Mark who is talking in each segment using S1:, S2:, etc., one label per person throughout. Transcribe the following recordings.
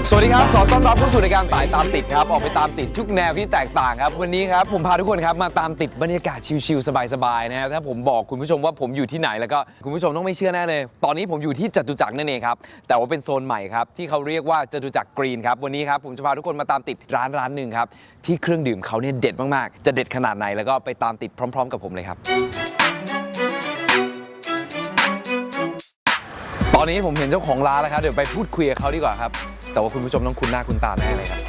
S1: สวัสดีครับขอต้อนรับเข้าสู่รายการตามติดครับออกไปตามติดทุกแนวที่แตกต่างครับวันนี้ครับผมพาทุกคนครับมาตามติดบรรยากาศชิลๆสบายๆนะครับถ้าผมบอกคุณผู้ชมว่าผมอยู่ที่ไหนแล้วก็คุณผู้ชมต้องไม่เชื่อแน่เลยตอนนี้ผมอยู่ที่จตุจักรนั่นเองครับแต่ว่าเป็นโซนใหม่ครับที่เขาเรียกว่าจตุจักรกรีนครับวันนี้ครับผมจะพาทุกคนมาตามติดร้านหนึ่งครับที่เครื่องดื่มเขาเนี่ยเด็ดมากๆจะเด็ดขนาดไหนแล้วก็ไปตามติดพร้อมๆกับผมเลยครับตอนนี้ผมเห็นเจ้าของร้านแล้วครับเดี๋ยวไปพูดคุยกับเขาดีกว่าครับแต่ว่าคุณผู้ชมต้องคุ้นหน้าคุ้นตาแน่เลยครับ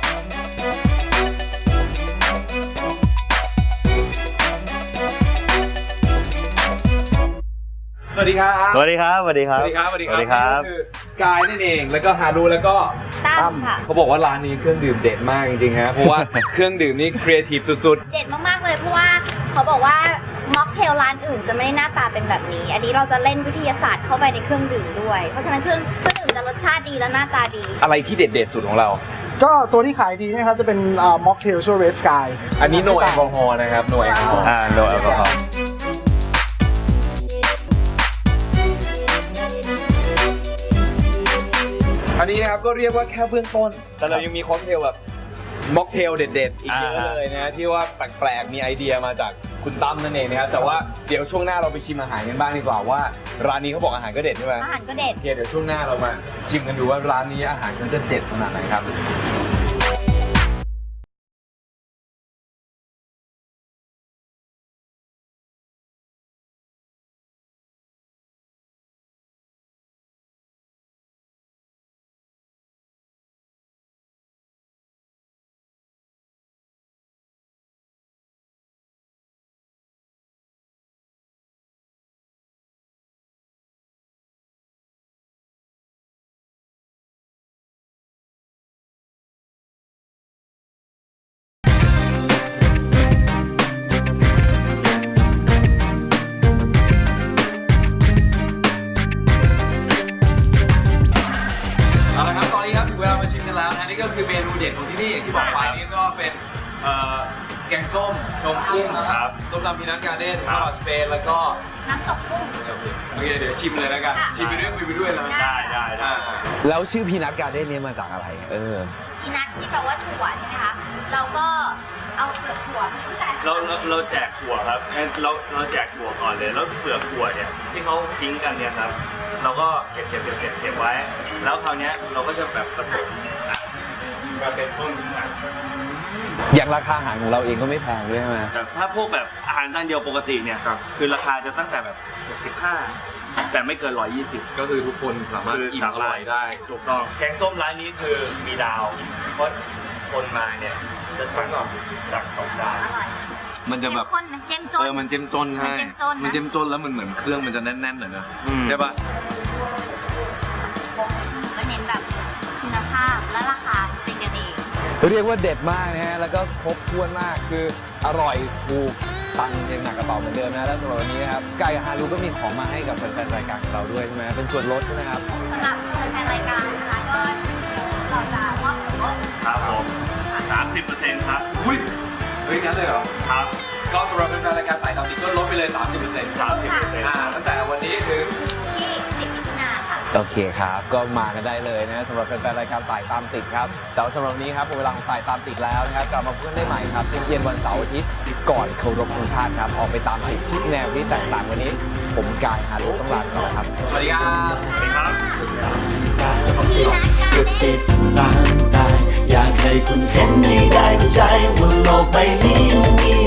S1: สวัสดีครับ
S2: สวัสดีครับ สวัสดีครับ
S1: สวัสดีครับ
S2: สวัสดีครับ
S1: คือกายนั่นเองแล้วก็ฮารุแล้วก็
S3: ตั้มค่ะ
S1: เขาบอกว่าร้านนี้เครื่องดื่มเด็ดมากจริงๆฮะเพราะว่าเครื่องดื่มนี่ครีเอทีฟสุด
S3: เด็ดมากๆเลยเพราะว่าเขาบอกว่าม็อกเทลร้านอื่นจะไม่ได้หน้าตาเป็นแบบนี้อันนี้เราจะเล่นวิทยาศาสตร์เข้าไปในเครื่องดื่มด้วยเพราะฉะนั้นเครื่องดื่มจะรสชาติดีและหน้าตาดี
S1: อะไรที่เด็ดสุดของเรา
S4: ก็ตัวที่ขายดีนะครับจะเป็นม็อกเทลชื่อ Red Sky
S1: อันนี้โนแอลกอฮอล์นะครับโนแอลกอฮอล์
S2: โนแอลกอฮอล์
S1: อันนี้นะครับก็เรียกว่าแค่เบื้องต้นแต่เรายังมีค็อกเทลแบบม็อกเทลเด็ดๆอีกเยอะเลยนะที่ว่าแปลกๆมีไอเดียมาจากคุณตั้มนั่นเองนะครับแต่ว่าเดี๋ยวช่วงหน้าเราไปชิมอาหารกันบ้างดีกว่าว่าร้านนี้เขาบอกอาหารก็เด็ดใช่ไหม
S3: อาหารก็เด็ด
S1: โอเคเดี๋ยวช่วงหน้าเรามาชิมกันดูว่าร้านนี้อาหารมันจะเด็ดขนาดไหนครับนี่ก็คือเมนูเด็ดของที่นี่อย่างที่บอกไปนี่ก็เป็นแกงส้มชมกุ้งครับส้มตำพีนัทการ์เด้นข้าวผัดสเปนแล้วก็
S3: น้ำตกกุ้ง
S1: โอเคเดี๋ยวชิมเลยแล้วกันชิมไปด้วยคุยไปด้วยนะ
S2: ได้
S1: แล้วชื่อพีนัทการ์เด้นนี้มาจากอะไร
S3: พีนัทที่แปลว่าถั่วใช่ไหมคะเราก็เอาเปลือกถั่ว
S2: เราแจกถั่วครับเราแจกถั่วก่อนเลยแล้วเปลือกถั่วเนี่ยที่เขาทิ้งกันเนี่ยครับเราก็เก็บไว้แล้วคราวนี้เราก็จะแบบผสมมาเป็นต้น
S1: อย่างราคาอาหารของเราเองก็ไม่แพงด้วยใช่ไหม
S2: แต่ถ้าพวกแบบอาหารจานเดียวปกติเนี่ยคือราคาจะตั้งแต่แบบ65แต่ไม่เกิน120
S1: ก็คือทุกคนสามารถอิ่มอร่อยได้
S2: ถูกต้องแกงส้มร้านนี้คือมีดาวเพราะคนมาเนี่ยจะสั่งจาก2 ดาว
S1: มันจะแบบ
S3: เจ้มจน
S1: มันเจ้มจนใช่มันเจ้มจนแล้วมันเหมือนเครื่องมันจะแน่นๆหน่อยนะใช่ปะ
S3: ก็เน้นแบบคุณภาพและราคาเป็นกันเอง
S1: เรียกว่าเด็ดมากนะฮะแล้วก็ครบถ้วนมากคืออร่อยถูกตังค์ยังหนักกระเป๋าเหมือนเดิมนะแล้วสำหรับวันนี้นะครับกายกับฮารุก็มีของมาให้กับแฟนๆรายการของเราด้วยใช่ไหมเป็นส่วนลดใช่ไหมครับ
S3: สำหรับแฟนๆรายการนะคะก็เราจะมอบส่วนลด
S2: ครับผม30%ครับ
S1: เฮ้ยงั้นเลยเหรอ
S2: ครับ
S1: ก็สำหรับแฟนๆรายการสายตามติดก็ลดไปเลย 30%ตั้งแต่วันนี้ถึง
S3: ที่10 มิถุนายนค่ะ
S1: โอเคครับก็มากันได้เลยนะสำหรับแฟนๆรายการสายตามติดครับแต่สำหรับวันนี้ครับเวลาของสายตามติดแล้วนะครับกลับมาพบกันได้ใหม่ครับเย็นวันเสาร์อาทิตย์ก่อนเคารพธงชาติครับออกไปตามติดทุกแนวที่แตกต่างวันนี้ผมกายฮารุต้องลาไปก่อนครับสวัสดีครับ
S2: สวัสดีครับ
S5: ก็ติดตามได้อยากให้คุณเห็นให้ได้เข้าใจว่าโลกใบนี้มี